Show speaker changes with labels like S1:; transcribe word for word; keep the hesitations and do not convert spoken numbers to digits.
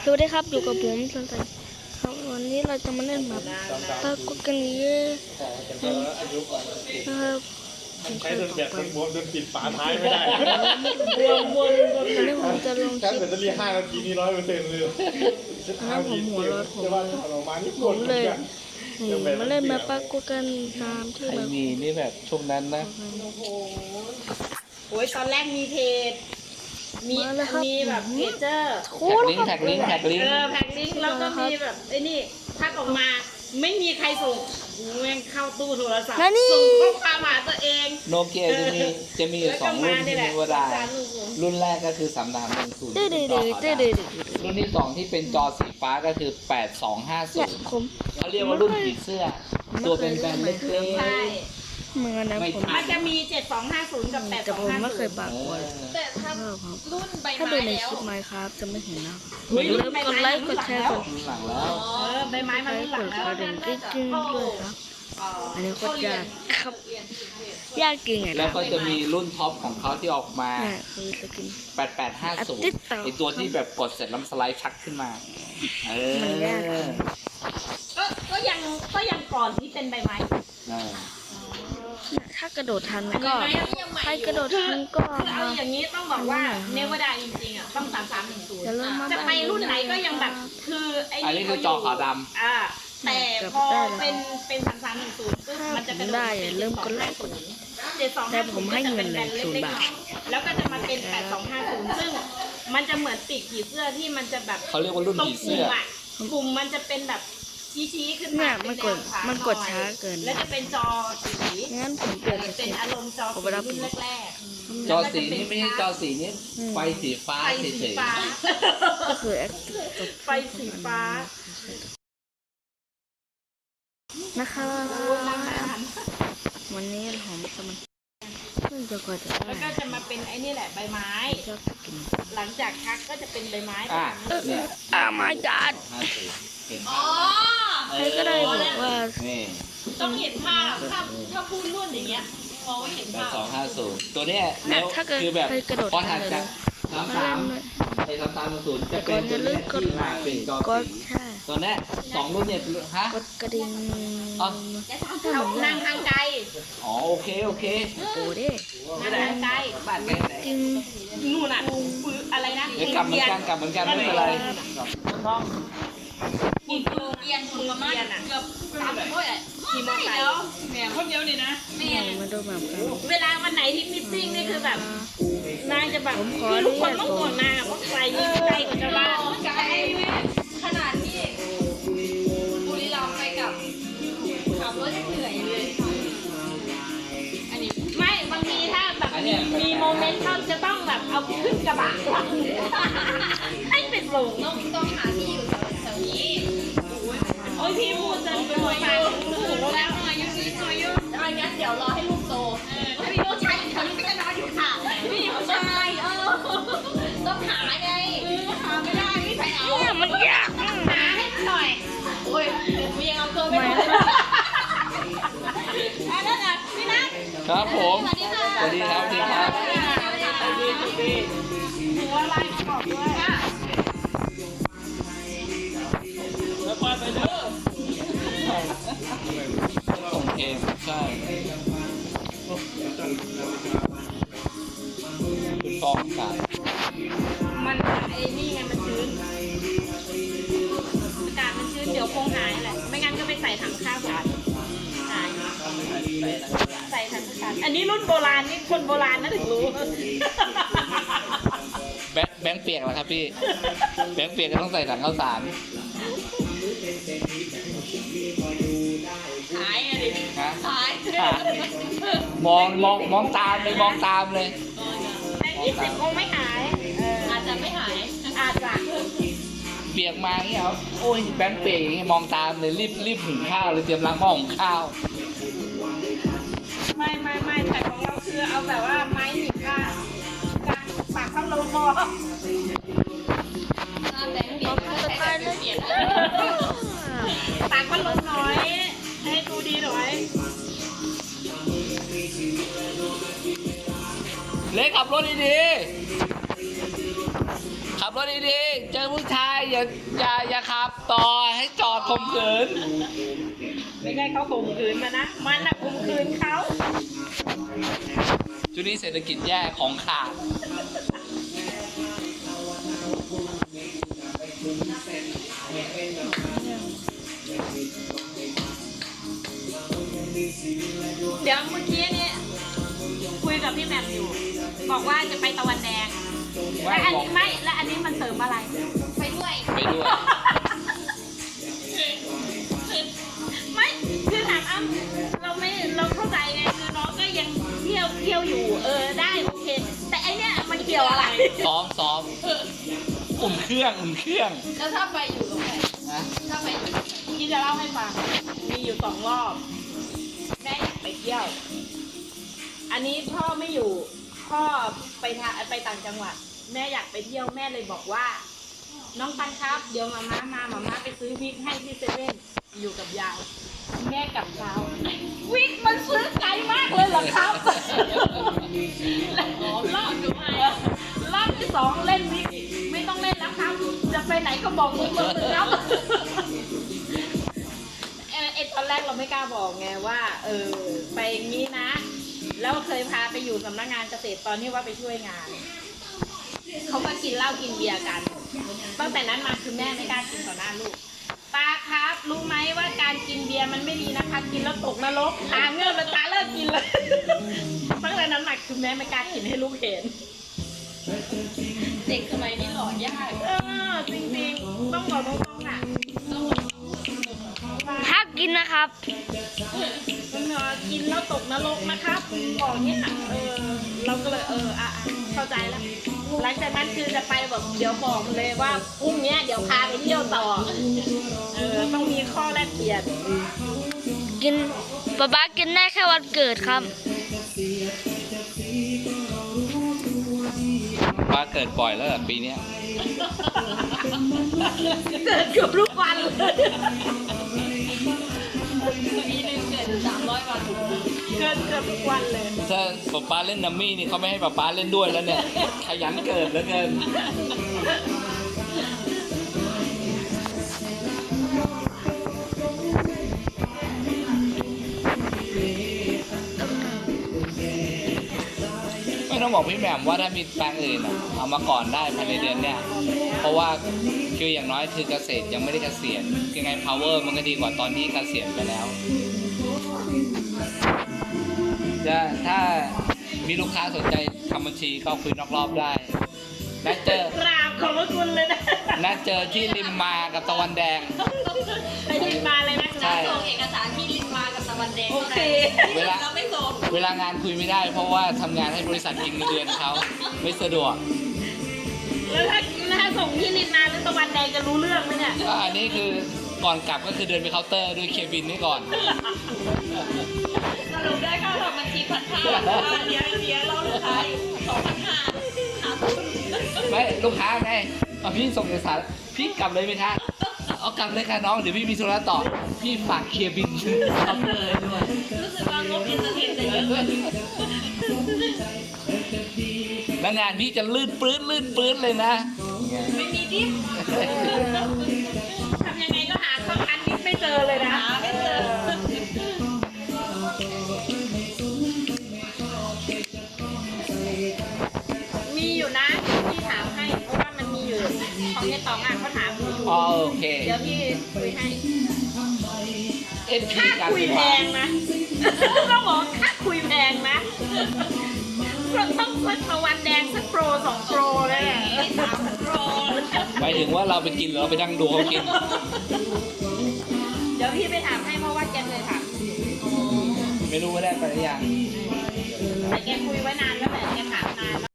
S1: วัสดีครับอยู่กับผมสันสันครับวันนี้เราจะมาเล่นแบบปรากฏกันนี้นะครับ
S2: ใช้จนแบบจนบวมจนปิดฝาท้ายไม่ได้บวมบวมบวม
S1: วันนี้ผมจะลงค
S2: แค่
S1: ลิป
S2: แบตเตอรี่ห้านาทีนี่ร้อยเปอร์เซ็นต์เลย
S1: แล้วผมหัวร้อนผม
S2: จะว่าออกมานี่
S1: ผมเลยนี่มาเล่นแบบปรากฏกันตามที่
S3: ไอ
S1: แบบ
S3: มีนี่แบบช่วงนั้นนะ
S4: โอ้ยตอนแรกมีเพจมีมีแบบเพจเจอร์
S1: โอ้แล้ว
S3: แท็กลิงก์แท็กลิงก์
S4: เอ
S3: แท็กลิงก์
S4: อแพ็กลิงก์แล้วก็มีแบบไอ้นี่ทักออกมาไม่มีใครส่งแม่งเข้าตู้โทรศัพท์
S1: นั่นนี่
S4: ส่งข้อความหาตัวเอง
S3: โนเกียจะมีจะมีอยู่สองรุ่นที่มีเวลารุ่นแรกก็คือสามดามหนึ่งศูนย์
S1: เด้อเด้อเด้อเด้อเด้อเด้อ
S3: รุ่นที่สองที่เป็นจอสีฟ้าก็คือแปดสองห้าศู
S1: เนี่ย
S3: นย์
S1: ผม
S3: เขาเรียกว่ารุ่นผีเสื้อ ตัวเป็นแบนเล็ก
S4: ใช่
S1: เหมือนนะผม
S4: มันจะมีเจ็ดสองห้าศูนย์กับแปด
S1: แต่
S4: สอง
S1: ผม
S4: ห้า
S1: ไม่เค
S4: ศู
S1: ย
S4: นย์
S1: ปากกลัว
S4: แต่ถ้า
S1: ครับ
S4: รุ่นใบ
S1: ถ้า
S4: ไม้
S1: ดูใน
S4: แล้
S1: คว ลิปไมค์ครับจะไม่เห็นนะ
S4: เฮ้ย
S1: อย่าลืมกดไลค์กดแชร์กด
S3: รุ่นหลังแล้ว
S4: เออใบไม้มัน
S1: ไล
S4: รุ่น
S1: ค์
S4: หลั
S1: ก
S4: ง
S1: ด
S4: แล้ว
S1: กระดิ่งกิ๊งๆด้วยครับอันนี้โคตรยากครับยากจริงอ่ะ
S3: แล้วก็จะมีรุ่นท็อปของเขาที่ออกมา
S1: เนี่ยคือสกิน
S3: แปดแปดห้าศูนย์
S1: ติ๊กต๊อก
S3: ไอตัวที่แบบกดเสร็จแล้วสไลด์ชักขึ้นมาเออ
S1: มันยาก
S4: ก็ก็ยังก็ยังก่อนที่เป็นใบไม้
S3: เออ
S1: ถ้ากระโดดทันก็ใครกระโดดทันก็
S4: คือเอา
S1: มา
S4: อย่างนี้ต้องบอกว่าเนวดาจริงๆอ่ะต้องสามสามหนึ่งศูนย์
S1: จะเริ่มมา
S4: จะไปรุ่นไหนก็ยังแบบคือไอ้
S3: อันนี้คือจอขาวดำ
S4: อ่าแต่พอเป็นเป็นสามสามหนึ่งศูนย์ปุ๊บมันจะกระโดด
S1: ได้เริ่มกดไลค์กด
S4: เจ็ดสอง
S1: แต่ผมให้เงินเลยศูนย์บาท
S4: แล้วก็จะมาเป็นแปดสองห้าศูนย์ซึ่งมันจะเหมือนปีกผีเสื้อที่มันจะแบบ
S3: เขาเรียกว่ารุ่น
S4: ตรง
S3: ผี
S4: ก
S3: เสื้
S4: ลุ่
S3: อ
S4: มอ่ะกลุ่มมันจะเป็นแบบชี้ๆขึ้น
S1: เนี่
S4: มาย
S1: มันกด
S4: เป็แวขา
S1: มันกด
S4: หอย
S1: ช้าเกิน
S4: แล้วจะเป็นจอสี
S1: งั้นผมเปลี่ยนส
S4: เป็
S1: กิ
S4: น
S1: น
S4: อารมณ์จอสีรุ่นแรกๆ
S3: จอสีนี่ไม่ใช่จอสีนี่ไฟสีฟ้า
S4: ไฟ
S3: เฉ
S4: สี
S3: ย
S4: ฟ้า
S1: ก็คือแอคตก
S4: ไฟสีฟ้า
S1: นะครับวันนี้ผมจะมาเพิ่งจะกดจะ
S4: แล้วก็จะมาเป็นไอ้นี่แหละใบไม้
S1: ชอบสกิน
S4: หลังจากทักก็จะเป็นใบไม้
S3: ๆอ่ะเนี่ย
S1: อ่ามาจัด
S3: ห้าสิบเห็น
S4: อ๋อ
S1: ใครก็ได้บอกว่า
S3: นี่
S4: ต้องเห็นภาพถ้าถ้าพูดรุ่นอย่างเงี้ยมองไม่เห็น
S3: แปด
S4: ภาพ
S3: สองห้าศูนย์ตัวเนี้ย
S1: เนี่
S3: แล้
S1: ยว ถ้าเกิด
S3: คือแบบ
S1: ใครกระโดด
S3: พอ
S1: ทั
S3: ถั
S1: น
S3: ด
S1: เลย
S3: จาก
S1: นะ
S3: สามสามไอ้สามสามศูนย์จะเป็นตัวเนี้ยที่มาเป็นจอก
S1: ด
S3: สี
S1: ใช่
S3: ตัวเนี้ยสองรุ่นเนี่ยฮะ
S1: กดกระดิ่ง
S3: อ๋อ
S4: เอานั่งทางไกล
S3: อ๋อโอเคโอเค
S1: โอ้เด้
S4: นั่งทางไกล
S3: บ้านแกไหน
S1: จริง
S4: นู่นน่ะปืนอะไรนะ
S3: เดี๋ยวกลับเหมือนกันกลับเหมือนกันไม่เป็นไร
S4: กินปืนเกียนปืนเกียนอ่ะเกือบสามร้อยอ่ะขี่มอเตอร์ไซค์แหมคนเดียวนี่นะแม่
S1: มาดูแบบกัน
S4: เวลาวันไหนที่มิทติ้งนี่คือแบบนางจะแบบ
S1: ผมขอ
S4: คือทุกคน
S1: อนุญาต
S4: ต้องกดนางอะเพราะไกลยิ่งไกลกว่าชาวบ้าน
S5: ไกลขนาดที่บุรีรัมย์ไปกับขับรถยังเหนื่อยเลย
S4: อันนี้ไม่บางทีถ้าแบบมีมีโมเมนต์เขาจะต้องแบบเอาขึ้นกระบะหลังให้ไปส่ง
S5: ต้องต้องหาที่อยู่แถวนี้
S4: โอ้ยพี่พูดจนเป็นหัวใจถูกแล้ว
S5: หน่อยยุ่งนิดหน่อยยุ่งแล้วงั้นเดี๋ยวรอให้ลูกโตถ้ามีลูกชายอยู่แถวนี้ก็จะนอนอยู่ค่ะพี่ผู้ชายเออต้องหาไงหาไม่ได้ไม่ไปเอา
S1: เนี่ยมันยาก
S4: หาให้หน่อย
S5: โอ้ยมียังเอาตัวไม่
S1: ไม่
S5: ถูกอันนั้นอ่ะพี่นัท
S3: ครับผม
S5: สวัสดีค่ะ
S3: สวัสดีครับสวัสดีครับ
S4: หัวอะไรบอกด้วย
S3: ส่งเองใช่คุณฟองอากาศ
S4: มันไอ้นี่ไงมันชื้นอากาศมันชื้นเดี๋ยวคงหายแหละไม่งั้นก็ไปใส่ถังข้าวสารหายใส่ถังข้าวสารอันนี้รุ่นโบราณนี่คนโบราณนะถึงรู้
S3: แบงค์แบงค์เปียกแล้วครับพี่ แบงค์เปียกก็ต้องใส่ถังข้าวสาร
S5: หายอ่ะดิ
S3: ฮะ
S5: หาย
S3: อ่ะมองมองมองตามเลยมองตามเลย
S4: แต่ยี่สิบคงไม่หายเออ
S5: อาจจะไม่หาย
S4: อาจจะ
S3: เปียกมาอย่างเงี้ยครับโอ้ยแบงค์เปียกอย่างเงี้ยมองตามเลยรีบรีบหุงข้าวเลยเตรียมล้างหม้อหุงข้าว
S4: ไม่ไม่ไม่แต่ของเราคือเอาแบบว่าไม้หนีบก้านกางปากเข้าลงคอ
S5: แบงค์เปลี่ยนแบงค์เปลี่ยน
S4: ปากมันลงน้อย ให้ดูดีหน่อย
S3: เล็กขับรถดีๆขับรถดีๆเจอผู้ชายอย่าอย่าอย่าอย่าขับต่อให้จอดข่มขืน
S4: ไม่ใช่เขาข่มขืนมานะ มันน่ะข่มขืนเขา
S3: ช่วงนี้เศรษฐกิจแย่ของขาด
S4: เดี๋ยวเมื่อกี้นี่คุยกับพี่แหม่มอยู่ บอกว่าจะไปตะวันแดง และอันนี้ไม่ และอันนี้มันเสริมอะไร
S5: ไปด้วย
S3: ไปด้วย
S4: ไม่คือถามอ้ำเราไม่เราเข้าใจไงคือน้องก็ยังเที่ยวเที่ยวอยู่ เออได้โอเค แต่ไอเนี้ยมันเกี่ยวอะไร
S3: ซ้อมซ้อมอุ่นเครื่องอุ่นเครื่อง
S5: แล้วถ้าไปอยู่ตรงไหน
S3: นะ
S5: ถ้าไปอยู่
S4: พี่จะเล่าให้ฟัง มีอยู่สองรอบ แม่อยากไปเที่ยว อันนี้พ่อไม่อยู่ พ่อไปทาไปต่างจังหวัด แม่อยากไปเที่ยวแม่เลยบอกว่า น้องปันครับ เดี๋ยวมาม่ามามาม่าไปซื้อวิกให้ที่เซเว่นอยู่กับยายแม่กลับเช้า วิกมันซื้อไกลมากเลยเหรอครับรอบรอบที่สองเล่นวิกไม่ต้องเล่นแล้วครับ จะไปไหนก็บอกมึงมึงครับเออไอตอนแรกเราไม่กล้าบอกไงว่า เออ ไปอย่างนี้นะ แล้วเคยพาไปอยู่สำนักงานเกษตรตอนที่ว่าไปช่วยงาน เขามากินเหล้ากินเบียร์กัน ตั้งแต่นั้นมาคือแม่ไม่กล้ากินต่อหน้าลูกตาครับรู้ไหมว่าการกินเบียร์มันไม่ดีนะคะ กินแล้วตกนรกตาเงื่อนแล้วตาเลิกกินเลยตั้งแต่นั้นมาคือแม่ไม่กล้ากินให้ลูกเห็น
S5: เด็กสมัยนี้หล่อยาก
S4: เออจริงๆต้องบอกตรงๆอ่ะ
S1: ถ้ากินนะครับ
S4: มันเออกินแล้วตกนรกนะครับบอกเนี้ยเออเราก็เลยเอออ่ะอ่ะเข้าใจแล้วหลังจากนั้นคือจะไปแบบเดี๋ยวบอกเลยว่าพรุ่งนี้เดี๋ยวพาไปเที่ยวต่อเออต้องมีข้อแลกเปลี่ยน
S1: กินป๊าป๊ากินได้แค่วันเกิดครับ
S3: ป้าเกิดบ่อยแล้วเหรอปีเนี้ย
S4: เกิดเกือบทุกวันเลย
S5: ปีหนึงเกิดสามร้อยวัน
S4: เกิดเกือบทุกวันเลย
S3: ถ้าป๊าป๊าเล่นนัมมี่นี่เขาไม่ให้ป๊าป๊าเล่นด้วยแล้วเนี่ย ขยันเกิดเหลือเกิน ไม่ต้องบอกพี่แหม่มว่าถ้ามีแปลงอื่นอะเอามาก่อนได้ภายในเดือนเนี่ย เพราะว่าคืออย่างน้อยคือเกษตรยังไม่ได้เกษียณยังไง power มันก็ดีกว่าตอนที่เกษียณไปแล้ว จะถ้ามีลูกค้าสนใจทำบัญชีก็คุยนอกรอบได้นัดเจอก
S4: ราบขอบพระคุณเลยนะ
S3: นัดเจอที่ริมมากับตะวันแดง
S4: ไปที่มาเลยนะ
S3: ใช่
S5: ส่งเอกสารที่ลินมากับตะวันแดง
S4: โอเค
S3: เวลา
S5: เราไม่ส่ง
S3: เวลางานคุยไม่ได้ เพราะว่าทำงานให้บริษัทกินเงินเดือนเขาไม่สะดวก
S4: แล้วถ้าถ้าส่งที่ลินมาหรือตะวันแดงจะรู้เรื่องไหมเนี่ย
S3: ก็อันนี้คือก่อนกลับก็คือเดินไปเคาน์เตอร์ด้วยเคบินนี่ก่อน
S5: สรุปได้ค่าทำบัญชีพันห้าเดี๋ยวเดี๋ยวเราลูกค้าสองพันห้าขาดทุน
S3: ไม่ลูกค้าไงเอาพี่ส่งเอกสารพี่กลับเลยไหมคะเอากลับเลยค่ะน้องเดี๋ยวพี่มีธุระต่อพี่ฝากเคลียร์บินเคาน์เตอร์ให้ด้วย
S5: รู้สึกว่างบเอนเตอร์เทนจะเยอะ
S3: แล้วงานพี่จะลื่นปลื้นลื่นปลื้นเลยนะ
S5: ไม่มีดิฟ
S4: ทำยังไงก็หาข้อคันนิดไม่เจอเลยนะ
S5: หาไม่เจอ
S4: มีอยู่นะพี่ถามให้เพราะว่ามันมีอยู่ของในตองอ่ะเขาถามอยู่
S3: อ๋อโอเค
S4: เดี๋ยวพี่คุยให้
S3: เอ็นพี
S4: ค่า
S3: กัน
S4: คุย
S3: ดีก
S4: แพ
S3: ว่าง
S4: นะ ต้องบอกว่าค่าคุยแพงนะต้องสักตะวันแดงสักโปรสองโปรเลยอะ
S5: สามพันโปร
S3: หมายถึงว่าเราไปกินหรือเราไปนั่งดูเขากิน
S4: เดี๋ยวพี่ไปถามให้เพราะว่าแกเคยถาม
S3: ไม่รู้ว่าได้ไปหรือยัง
S4: แต่แกคุยไว้นานแล้วแหละแกถามนานแล้ว